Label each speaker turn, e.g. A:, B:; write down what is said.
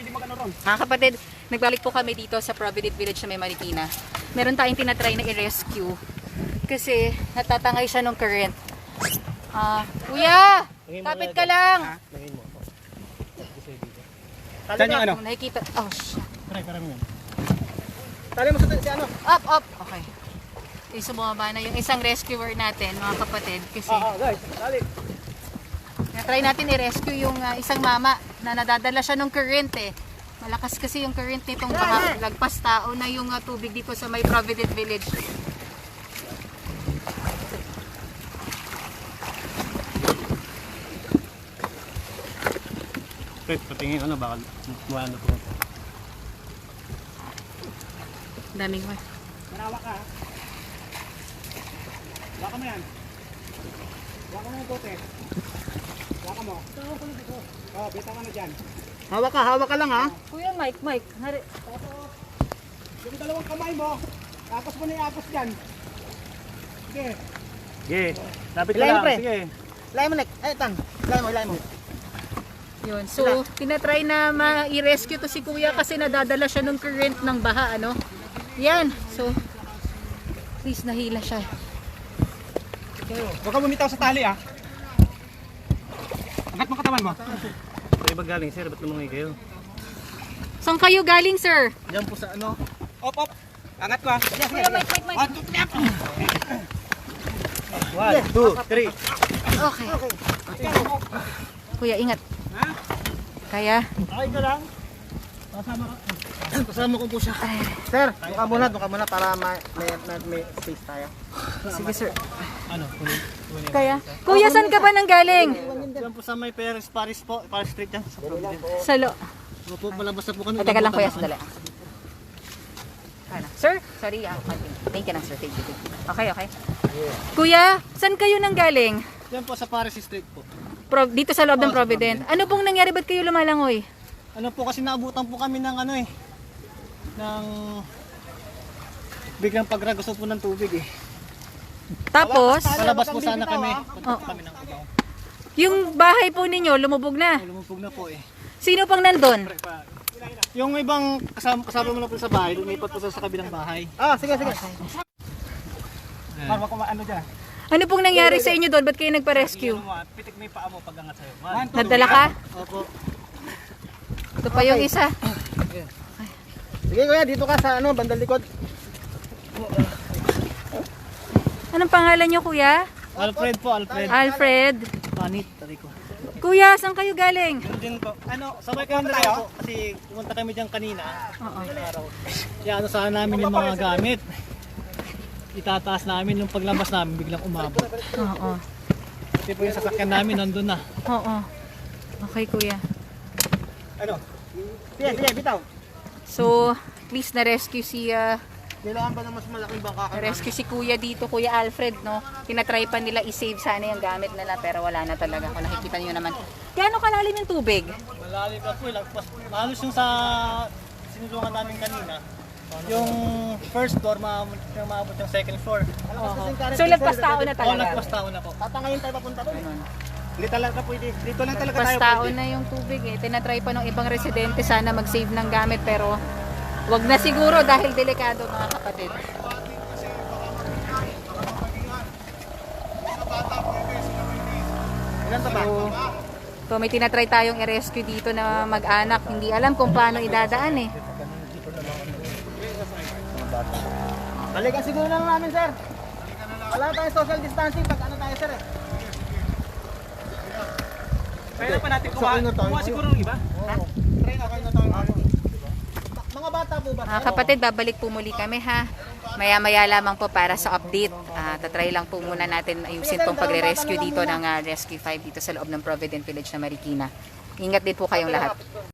A: pwede mag-ano ron.
B: Mga kapatid, nagbalik po kami dito sa Provident Village na may Marikina. Meron tayong tinatry na i-rescue kasi natatangay siya ng current. Kuya, tapit ka lang.
A: Saan yung ano?
B: Nakikita. Oh, shit.
A: Tara mo yun. Tali mo sa si ano?
B: Up. Okay. So, bumaba na yung isang rescuer natin, mga kapatid. Kasi
A: Guys, tali.
B: na-try natin i-rescue yung isang mama na nadadala siya ng current eh. Malakas kasi yung current nitong baka lagpas tao na yung tubig dito sa may Provident Village.
A: Wait, patingin ano, baka mukha na po.
B: Daming mo.
A: Manawa ka. Waka mo yan. Waka mo yung bote. Waka mo. Oh, bita ka na dyan. Hawak ka lang ha.
B: Kuya Mike.
A: Yung dalawang kamay mo, tapos mo na iapos dyan. Sige. Sige. Lapit ka lang. Sige.
C: Ilay mo, Nek. Ay, Tan. Ilay mo.
B: Yun. So, tinatry na ma-rescue to si Kuya kasi nadadala siya ng current ng baha, ano? Yan. So, at least nahila siya.
A: Huwag ka bumitaw sa tali ah. Angat mo katawan mo. Kayo ba galing sir? Ba't lumangoy kayo?
B: Saan kayo galing, sir?
A: Diyan po sa ano. Op. Angat ko ah.
B: Kuya Mike.
A: 1, 2, 3.
B: Okay. Kuya, ingat.
A: Ha?
B: Kaya?
A: Okay ka lang. Kasama ko po siya.
C: Sir, doon ka muna para may space tayo.
B: Sige, sir.
A: Ano? Kunin.
B: Kaya? Kuya, saan ka ba nang galing?
A: Diyan po sa may Paris po. Paris Street yan. Sa Provident.
B: Salo.
A: Opo, malabas na po kami.
B: Teka lang, kuya, sandali. Ano? Sir? Sorry, thank you na, sir. Thank you. Okay. Kuya, saan kayo nang galing?
A: Diyan po sa Paris Street po.
B: Dito sa loob ng Provident. Ano pong nangyari? Ba't kayo lumalangoy?
A: Ano po kasi naabutan po kami ng ano ng biglang pagragos po ng tubig eh.
B: Tapos,
A: Palabas po sana kami.
B: Oh.
A: Kami ng Cubao.
B: yung bahay po ninyo, lumubog na.
A: Lumubog na po eh.
B: Sino pang nandun?
A: Yung ibang kasama mo na po sa bahay, lumipat po sa kabilang bahay.
C: Sige.
A: Para ano dyan?
B: Ano pong nangyari sa inyo doon? Ba't kayo nagpa-rescue?
A: Pitik mo yung paa mo pag angat sa'yo.
B: Nadala ka?
A: Opo.
B: Ito pa yung isa.
C: Sige kuya, dito ka sa bandang likod.
B: Anong pangalan nyo, kuya?
A: Alfred po,
B: Alfred.
A: Panit, tari ko.
B: Kuya, saan kayo galing?
A: Yun din po. Ano, sabay kayo tayo po. Kasi pumunta kami dyan kanina.
B: Oo.
A: Araw. Kaya ano sana namin yung mga gamit. Itataas namin yung paglabas namin biglang umabot.
B: Oo.
A: Kasi po yung sasakyan namin nandun na.
B: Oo. Okay, kuya.
A: Ano?
C: Sige, bitaw.
B: So, at least na-rescue
C: Kailangan ba na mas malaking bangka ka?
B: rescue si kuya dito, Kuya Alfred, no? Tinatry pa nila i-save sana yung gamit nila pero wala na talaga. Kung nakikita niyo naman. Gaano kalalim yung tubig?
A: Malalim na po. Halos yung sa sinulungan namin kanina. Yung first floor, maabot yung second floor.
B: So, lagpas tao na
A: Oo,
B: talaga.
A: nagpas tao na po.
C: Tatangayin tayo papunta doon.
A: Hindi talaga pwede. Dito lang talaga
B: Lagpas
A: tayo
B: tao
A: pwede.
B: na yung tubig eh. Tinatry pa ng ibang residente sana mag-save ng gamit pero wag na siguro dahil delikado, mga kapatid.
C: Ilan ba?
B: So, may tinatry tayong i-rescue dito na mag-anak. Hindi alam kung paano idadaan eh.
C: Balikan siguro na lang namin, sir. Wala tayong social distancing pag ano tayo, sir eh.
A: Kaya pa natin
C: Sakay na tayo.
A: kumuha siguro ng iba.
C: Try na kayo na tayo. Mga bata po ba?
B: Mga kapatid, babalik po muli kami ha. Maya-maya lamang po para sa update. Tatry lang po muna natin ayusin tong pagre-rescue dito ng Rescue 5 dito sa loob ng Provident Village na Marikina. Ingat din po kayong lahat.